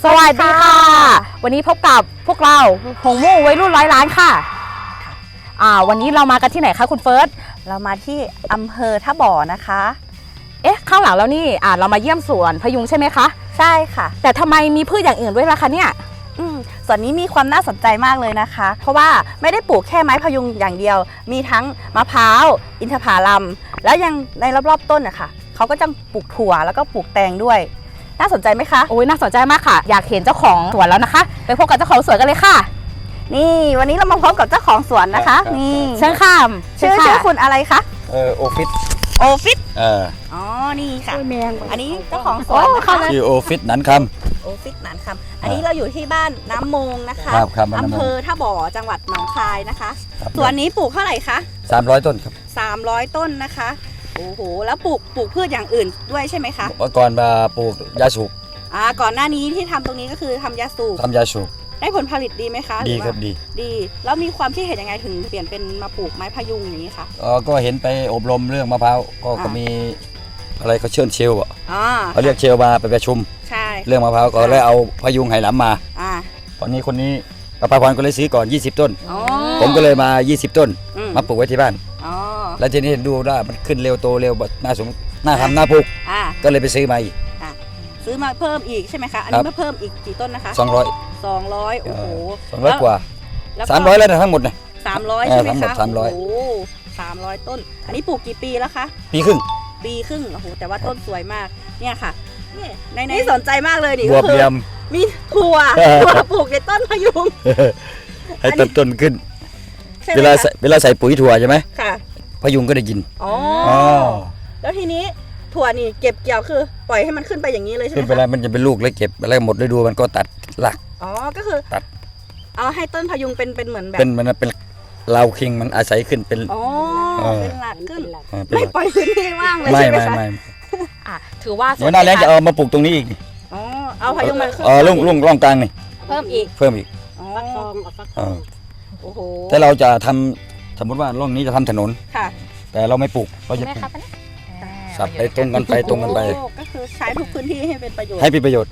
สวัสดีค่ะวันนี้พบกับพวกเราหงมู่วัยรุ่นร้อยล้านค่ะวันนี้เรามากันที่ไหนคะคุณเฟิร์สเรามาที่อำเภอท่าบ่อนะคะข้างหลังแล้วนี่เรามาเยี่ยมสวนพยุงใช่ไหมคะใช่ค่ะแต่ทำไมมีพืชอย่างอื่นด้วยล่ะคะเนี่ยส่วนนี้มีความน่าสนใจมากเลยนะคะเพราะว่าไม่ได้ปลูกแค่ไม้พยุงอย่างเดียวมีทั้งมะพร้าวอินทผลัมแล้วยังในรอบๆต้นนะคะเขาก็จะปลูกถั่วแล้วก็ปลูกแตงด้วยน่าสนใจไหมคะโอ้ยน่าสนใจมากค่ะอยากเห็นเจ้าของสวนแล้วนะคะไปพบกับเจ้าของสวนกันเลยค่ะนี่วันนี้เรามาพบกับเจ้าของสวนนะคะนี่เชิญค่ะชื่อคุณอะไรคะโอฟิตอ๋อนี่ค่ะอันนี้เจ้าของสวนนะคะชื่อโอฟิตหนันคโอฟิตหนันคำอันนี้เราอยู่ที่บ้านน้ำมงนะคะอำเภอท่าบ่อจังหวัดหนองคายนะคะสวนนี้ปลูกเท่าไหร่คะ 300 ต้นครับ 300 ต้นนะคะโอ้โหแล้วปลูกพืชอย่างอื่นด้วยใช่ไหมคะก่อนมาปลูกยาสูบก่อนหน้านี้ที่ทำตรงนี้ก็คือทำยาสูบได้ผลผลิตดีไหมคะดีครับดีแล้วมีความคิดเห็นยังไงถึงเปลี่ยนเป็นมาปลูกไม้พยุงอย่างนี้คะก็เห็นไปอบรมเรื่องมะพร้าวก็มีอะไรเขาเชิญเชลเขาเรียกเชลมาไปประชุมเรื่องมะพร้าวก็เลยเอาพยุงไหหลำมาตอนนี้คนนี้ประภาพรก็เลยซื้อก่อน20 ต้นผมก็เลยมา20 ต้นมาปลูกไว้ที่บ้านแล้วทีนี้ดูว่ามันขึ้นเร็วโตเร็วน่าทำน่าปลูกก็เลยไปซื้อมาอีกซื้อมาเพิ่มอีกใช่ไหมคะอันนี้มาเพิ่มอีกกี่ต้นนะคะ200โอ้โห 200 กว่า300แล้วทั้งหมดนะ 300ใช่ไหมคะ 300 โอ้300 ต้นอันนี้ปลูกกี่ปีแล้วคะปีครึ่งโอ้โหแต่ว่าต้นสวยมากเนี่ยค่ะในสนใจมากเลยดิบวบเรียมมีถั่วปลูกในต้นพยุงให้ต้นขึ้นเวลาใส่ปุ๋ยถั่วใช่ไหมค่ะพยุงก็ได้กินแล้วทีนี้ถั่วนี่เก็บเกี่ยวคือปล่อยให้มันขึ้นไปอย่างนี้เลยใช่ไหมขึ้นไปแล้วมันจะเป็นลูกแล้วเก็บแล้วหมดฤดูมันก็ตัดหลักก็คือตัดเอาให้ต้นพยุงเป็นเหมือนแบบเป็นเราคิงมันอาศัยขึ้นเป็นเป็นหลักขึ้นไม่ปล่อยพื้นที่ว่างเลยใช่ไหมคะถือว่าเดี๋ยวหน้าแล้งจะเอามาปลูกตรงนี้อีกเอาพยุงมาล่องกลางนี่เพิ่มอีกโอ้โหแต่เราจะทำสมมติว่าร่องนี้จะทำถนนแต่เราไม่ปลูกเราจะปลูกสับไปตรงกันไปก็คือใช้ทุกพื้นที่ให้เป็นประโยชน์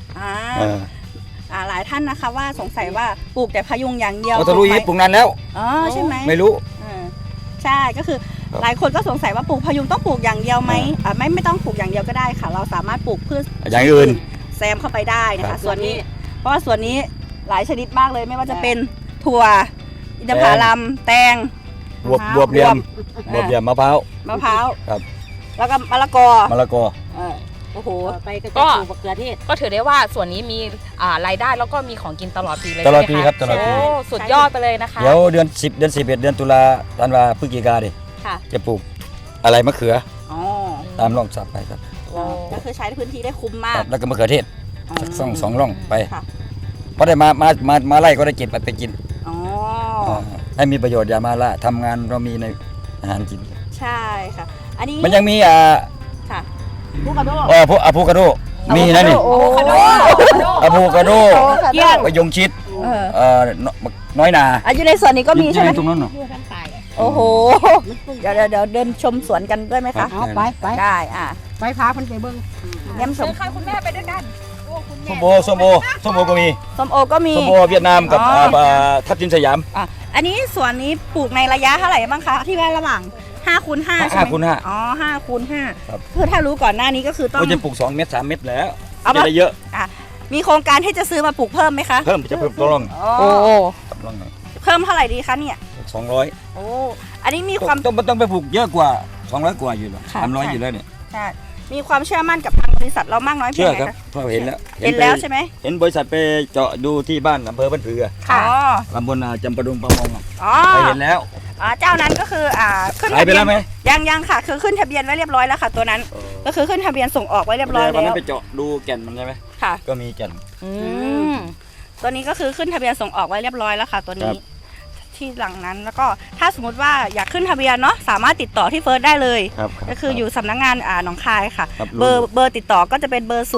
หลายท่านนะคะว่าสงสัยว่าปลูกแต่พยุงอย่างเดียวเราจะรู้ปลูกนานแล้วใช่ไหมไม่รู้ใช่ก็คือหลายคนก็สงสัยว่าปลูกพยุงต้องปลูกอย่างเดียวไหมไม่ต้องปลูกอย่างเดียวก็ได้ค่ะเราสามารถปลูกพืชอย่างอื่นแซมเข้าไปได้นะคะส่วนนี้เพราะว่าส่วนนี้หลายชนิดมากเลยไม่ว่าจะเป็นถั่วอินทผลัมแตงบวบเรียมมะพร้าวครับแล้วก็มะละกอโอ้โหไปก็ปลูกมะเขือเทศก็ถือได้ว่าส่วนนี้มีรายได้แล้วก็มีของกินตลอดปีเลยตลอดปีครับตลอดปีสุดยอดไปเลยนะคะเดี๋ยวเดือน10เดือน11เดือนตุลาธันวาพฤศจิกาดิจะปลูกอะไรมะเขือตามร่องสับไปครับก็คือใช้พื้นที่ได้คุ้มมากแล้วก็มะเขือเทศสองร่องไปเพราะได้มาไล่ก็ได้เก็บไปกินให้มีประโยชน์อย่ามาละทำงานเรามีในอาหารกินใช่ค่ะอันนี้มันยังมีค่ะอะโวคาโดอะโวคาโดมีนะนี่อะโวคาโดมะยงชิดน้อยนาอยู่ในสวนนี้ก็มีใช่ไหมตรงนั้นโอ้โหเดี๋ยวเดินชมสวนกันด้วยไหมคะไปได้ไปพาคนไปเบิ้งเยี่ยมชมค่ะคุณแม่ไปด้วยกันส้มโอก็มีส้มโอเวียดนามกับทับทิมสยามอันนี้สวนนี้ปลูกในระยะเท่าไหร่บ้างคะที่ว่าระหว่าง5x5ใช่ไหม5x5คือถ้ารู้ก่อนหน้านี้ก็คือต้องจะปลูก2 เมตร 3 เมตรแล้วจะได้เยอะมีโครงการที่จะซื้อมาปลูกเพิ่มไหมคะเพิ่มจะเพิ่มตัวร่องเพิ่มเท่าไหร่ดีคะเนี่ย 200 อันนี้มีความต้องไปปลูกเยอะกว่า200 กว่าอยู่หรอ300อยู่แล้วเนี่ยใช่มีความเชื่อมั่นกับทางบริษัทเรามากน้อยเพียงไรคะเพราะเห็นแล้วใช่ไหมเห็นบริษัทไปเจาะดูที่บ้านอำเภอบ้านผือตำบลจำปาดุงประมงไปเห็นแล้วเจ้านั้นก็คือขึ้นทะเบียนไหมยังค่ะคือขึ้นทะเบียนไว้เรียบร้อยแล้วค่ะตัวนั้นก็คือขึ้นทะเบียนส่งออกไว้เรียบร้อยแล้วไปเจาะดูแก่นมันใช่ไหมค่ะก็มีแก่นตัวนี้ก็คือขึ้นทะเบียนส่งออกไว้เรียบร้อยแล้วค่ะตัวนี้ที่หลังนั้นแล้วก็ถ้าสมมติว่าอยากขึ้นทะเบียนเนาะสามารถติดต่อที่เฟิร์สได้เลยก็คืออยู่สำนักงานหนองคายค่ะเบอร์ติดต่อก็จะเป็นเบอร์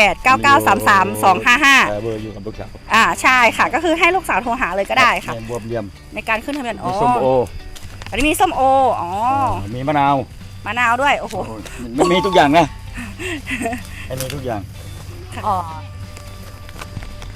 0989933255 เบอร์อยู่กับลูกสาวใช่ค่ะก็คือให้ลูกสาวโทรหาเลยก็ได้ค่ะบวบเรียมในการขึ้นทะเบียนส้มโออันนี้มีส้มโอมีมะนาวด้วยโอ้โหมันมีทุกอย่างนะมีทุกอย่าง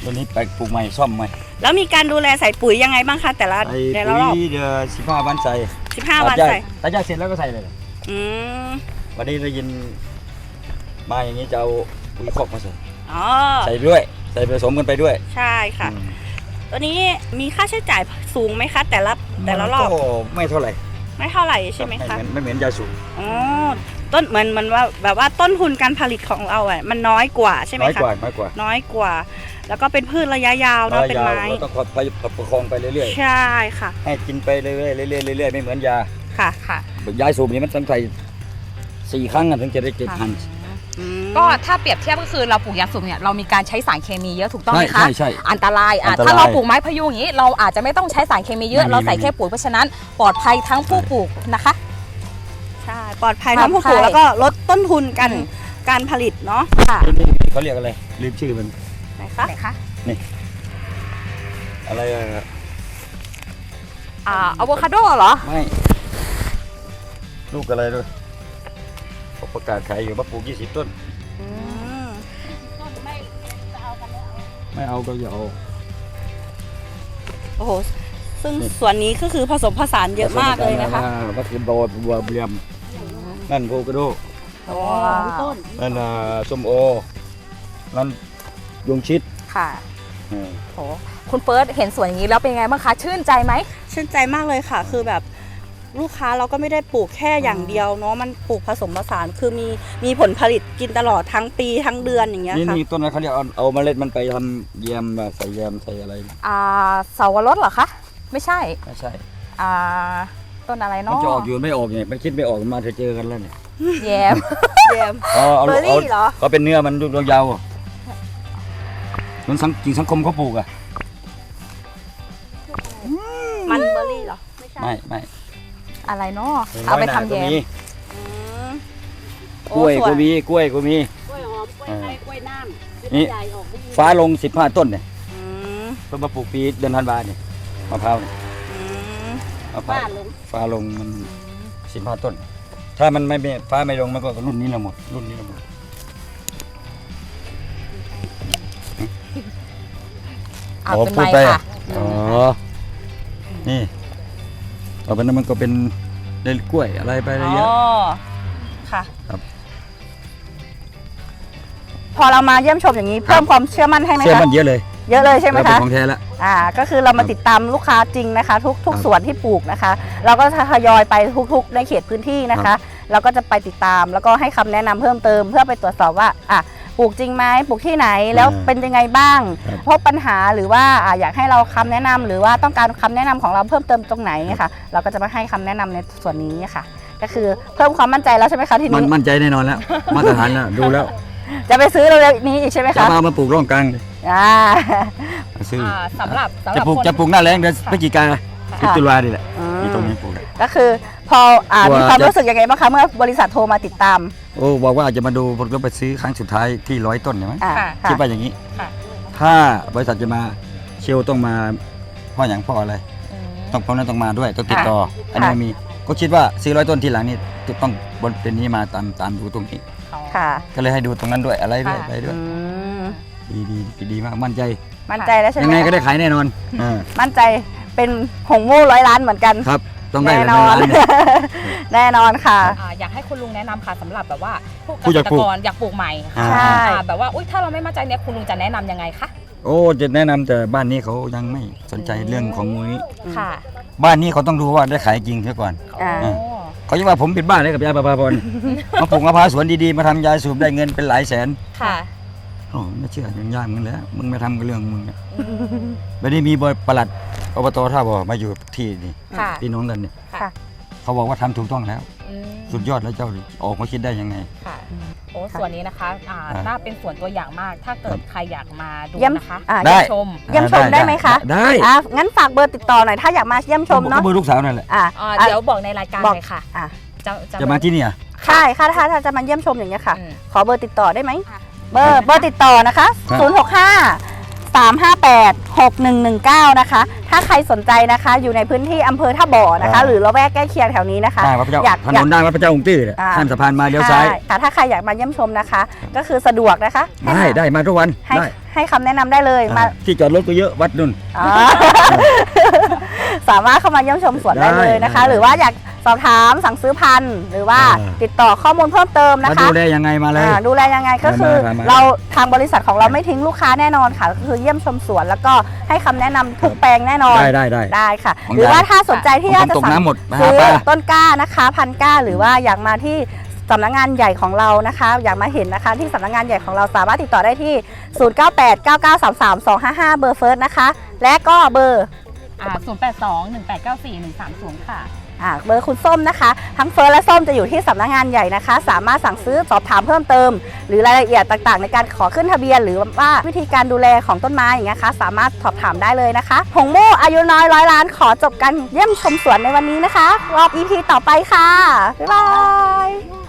ตัวนี้แปลกปลูกใหม่ซ่อมใหม่แล้วมีการดูแลใส่ปุ๋ยยังไงบ้างคะแต่ละไอ้แต่ละปุ๋รอบยเดือน15 วันใส่ 15 วันใส่ตัดหญ้าเสร็จแล้วก็ใส่เลยอืมวันนี้ได้ยินมาอย่างนี้จะเอาปุ๋ยคอกมาใส่อ๋อใส่ด้วยใส่ผสมกันไปด้วยใช่ค่ะอืมตัวนี้มีค่าใช้จ่ายสูงไหมคะ แต่ละรอบก็ไม่เท่าไหร่ไม่เท่าไหร่ใช่ไหมคะไม่เหมือนยาสูบอ๋อต้นเหมือนว่าแบบว่าต้นทุนการผลิตของเราอ่ะมันน้อยกว่าใช่ไหมน้อยคะกว่าน้อยกว่าน้อยกว่า แล้วก็เป็นพืชระยะยาวเนาะเป็นไม้เราต้องไปประคองไปเรื่อยใช่ค่ะๆให้กินไปเรื่อยๆเรื่อยๆเรื่อยๆไม่เหมือนยาค่ะค่ะยาสูบนี่มันต้องใส่4 ครั้งถึงจะได้7,000 อืมก็ถ้าเปรียบเทียบก็คือเราปลูกยางสูบเนี่ยเรามีการใช้สารเคมีเยอะถูกต้องไหมคะใช่อันตรายอันตรายถ้าเราปลูกไม้พยุงอย่างนี้เราอาจจะไม่ต้องใช้สารเคมีเยอะไม่มีเราใส่แค่ปุ๋ยเพราะฉะนั้นปลอดภัยทั้งผู้ปลูกนะคะใช่ปลอดภัยทั้งผู้ปลูกปลอดภัยแล้วก็ลดต้นทุนกันอืมการผลิตเนาะค่ะนี่เขาเรียกอะไรลืมชื่อมันไหนคะไหนคะอะไรอะอะโวคาโดเหรอไม่ลูกอะไรด้วยเขาประกาศขายอยู่ว่าปลูก20 ต้นอืมไม่เอาก็อย่าเอาโอ้โหซึ่งส่วนนี้ก็คือผสมผสานเยอะมากเลยนะคะมะเขือโดดบัวเบียมนั่นโพกระโดว้าวต้นนั่นส้มโอนั่นยงชิดค่ะโหคุณเฟิร์สเห็นสวนอย่างนี้แล้วเป็นไงบ้างคะชื่นใจไหมชื่นใจมากเลยค่ะ คือแบบลูกค้าเราก็ไม่ได้ปลูกแค่อย่างเดียวเนาะมันปลูกผสมผสานคือมีผลผลิตกินตลอดทั้งปีทั้งเดือนอย่างเงี้ยนี่ค่ะนี่ต้นนั้นเขาเรียกเอาเมล็ดมันไปทำแยมใส่แยมใส่อะไรเสาวรสเหรอคะไม่ใช่ไม่ใช่ต้นอะไรมันเนาะจะออกอยู่ไม่ออกเนี่ยมันคิดไม่ออกมาเธอเจอกันแล้วเนี่ยแยมแยมเอาเบอร์รี่เหรอก็เป็นเนื้อมันลูกยาวมันจริงสังคมเขาปลูกอ่ะมันเบอร์รี่เหรอไม่ใช่ไม่อะไรเนาะเอาไปทำแยมอืมกล้วยโอ้ก็มีกล้วยก็มีกล้วยหอมกล้วยไทยกล้วยน้ำนี่ใหญ่ออกลูกฟ้าลง15 ต้นเนี่ยอืมเพิ่งมาปลูกปีเดือนธันวาเนี่ยมะพร้าวเนี่ยอืมมะพร้าบ้าว ลงฟ้าลงมัน15 ต้น ถ้ามันไม่ฟ้าไม่ลงมันก็รุ่นนี้ละหมดรุ่นนี้ละหมดเอาเป็นพูไม้ดไปค่ะอ๋อนี่ต่อไปนั้นมันก็เป็นเล่นกล้วยอะไรไปอะไรเยอะอ๋อค่ะครับพอเรามาเยี่ยมชมอย่างนี้เพิ่มความเชื่อมั่นให้ไหมเชื่อคะมันเยอะเลยเยอะเลยใช่ไหมแล้วเป็นคะของแท้แล้วก็คือเรามาติดตามลูกค้าจริงนะคะ ทุกครับสวนที่ปลูกนะคะ เราก็ทยอยไปทุกในเขตพื้นที่นะคะ เราก็จะไปติดตามแล้วก็ให้คำแนะนำเพิ่มเติมเพื่อไปตรวจสอบว่าปลูกจริงไหมปลูกที่ไหนแล้วเป็นยังไงบ้างครับพบปัญหาหรือว่าอยากให้เราคำแนะนำหรือว่าต้องการคำแนะนำของเราเพิ่มเติมตรงไหนค่ะ เราก็จะมาให้คำแนะนำในส่วนนี้ค่ะ ก็คือเพิ่มความมั่นใจแล้วใช่ไหมคะทีมันนี้มั่นใจแน่นอนแล้ว มาตรฐานแล้วดูแล้วจะไปซื้อเร็วๆนี้อีกใช่ไหมจะคะมาปลูกร่องกลางเลยอ่ามาซื้อสำหรับจะปลูกคนจะปลูกหน้าแรงเดือนพฤศจิกาพฤศจิกานี่แหละอืมนี่ตรงนี้ปลูกเลยก็คือพอตัวมีความรู้สึกยังไงบ้างคะเมื่อบริษัทโทรมาติดตามโอ้บอกว่าอาจจะมาดูผมก็ไปซื้อครั้งสุดท้ายที่100 ต้นใช่ไหมค่ะคิดว่าอย่างนี้ค่ะถ้าบริษัทจะมาเชลต้องมาเพ่ออย่างเพ่ออะไร ต้องพร้อมนั้นต้องมาด้วยต้องติดต่อ อันนี้มีก็คิดว่าซื้อ100 ต้นทีหลังนี่จะต้องบนเป็นนี้มาตามดูตรงนี้ค่ะก็เลยให้ดูตรงนั้นด้วยอะไรด้วยค่ะไปด้วยอืมดีมากมั่นใจมั่นใจแล้วใช่ไหมยังไงก็คะได้ขายแน่นอนอ่ามั่นใจเป็นหงมู่100 ล้านเหมือนกันครับต้องได้แน่เลยนอนร้านเนี่ยแน่นอนค่ะอยากให้คุณลุงแนะนำค่ะสำหรับแบบว่าผู้ผู้เกอยากษตรปลูกกรอยากปลูกใหม่อ่าใช่แบบว่าอุ๊ยถ้าเราไม่มั่นใจเนี่ยคุณลุงจะแนะนำยังไงคะโอ้จะแนะนำแต่บ้านนี้เขายังไม่สนใจเรื่องของนี้ค่ะบ้านนี้เขาต้องดูว่าได้ขายจริงเสียก่อนอ่าโอ้เขาจะว่าผมปิดบ้านเลยกับยายประภาพร มาปลูกมะพร้าวสวนดีๆมาทำยาสูบได้เงินเป็นหลายแสนค่ะโอ้ไม่เชื่อยังยากมึงแล้วมึงไม่ทำกับเรื่องมึงเนี่ยไม่ได้มีบริปลัดอบตท่าบ่อมาอยู่ที่นี่ค่ะพี่น้องกันเนี่ยค่ะเขาบอกว่าทำถูกต้องแล้วอืมสุดยอดแล้วเจ้าออกมาคิดได้ยังไงค่ะโอ้ส่วนนี้นะคะน่าเป็นส่วนตัวอย่างมาก ถ้าเกิดใครอยากมาดูเยี่ยมนะคะได้เยี่ยมชมเยี่ยมชมได้ไหมคะได้งั้นฝากเบอร์ติดต่อหน่อยถ้าอยากมาเยี่ยมชมเนาะก็เบอร์ลูกสาวนั่นแหละเดี๋ยวบอกในรายการบอกเลยค่ะอ่ะจะมาที่นี่อ่ะใช่ค่ะถ้าจะมาเยี่ยมชมอย่างเงี้ยค่ะอืมขอเบอร์ติดต่อได้ไหมค่ะเบอร์ติดต่อนะคะครับ 065 03586119นะคะถ้าใครสนใจนะคะอยู่ในพื้นที่อำเภอท่าบ่อนะคะหรือละแวกใกล้เคียงแถวนี้นะคะได้วัดพระเจ้าถนนได้วัดพระเจ้าองค์ตื้อข้ามสะพานมาเลี้ยวซ้ายค่ะถ้าใครอยากมาเยี่ยมชมนะคะ ก็คือสะดวกนะคะได้มาทุกวันให้คำแนะนำได้เลยมาที่จอดรถก็เยอะวัดนุ่นสามารถเข้ามาเยี่ยมชมสวนได้เลยนะคะ หรือว่าอยากสอบถามสั่งซื้อพันธุ์หรือว่าติดต่อข้อมูลเพิ่มเติมนะคะดูแลยังไงมาเลยดูแลยังไงก็คือเราทางบริษัทของเราไม่ทิ้งลูกค้าแน่นอนค่ะก็คือเยี่ยมชมสวนแล้วก็ให้คำแนะนำทุกแปลงแน่นอนได้ค่ะ หรือว่าถ้าสนใจที่อยากจะสั่งซื้อต้นกล้านะคะพันธุ์กล้าหรือว่าอยากมาที่สำนักงานใหญ่ของเรานะคะอยากมาเห็นนะคะที่สำนักงานใหญ่ของเราสามารถติดต่อได้ที่ 0989933255 เบอร์เฟิร์สนะคะและก็เบอร์ 0821894130 ค่ะเบอร์คุณส้มนะคะทั้งเฟิร์สและส้มจะอยู่ที่สำนักงานใหญ่นะคะสามารถสั่งซื้อสอบถามเพิ่มเติมหรือรายละเอียดต่างๆในการขอขึ้นทะเบียนหรือว่าวิธีการดูแลของต้นไม้อย่างเงี้ยค่ะสามารถสอบถามได้เลยนะคะหงมู่อายุน้อย100 ล้านขอจบกันเยี่ยมชมสวนในวันนี้นะคะรอบ EP ต่อไปค่ะบ๊ายบาย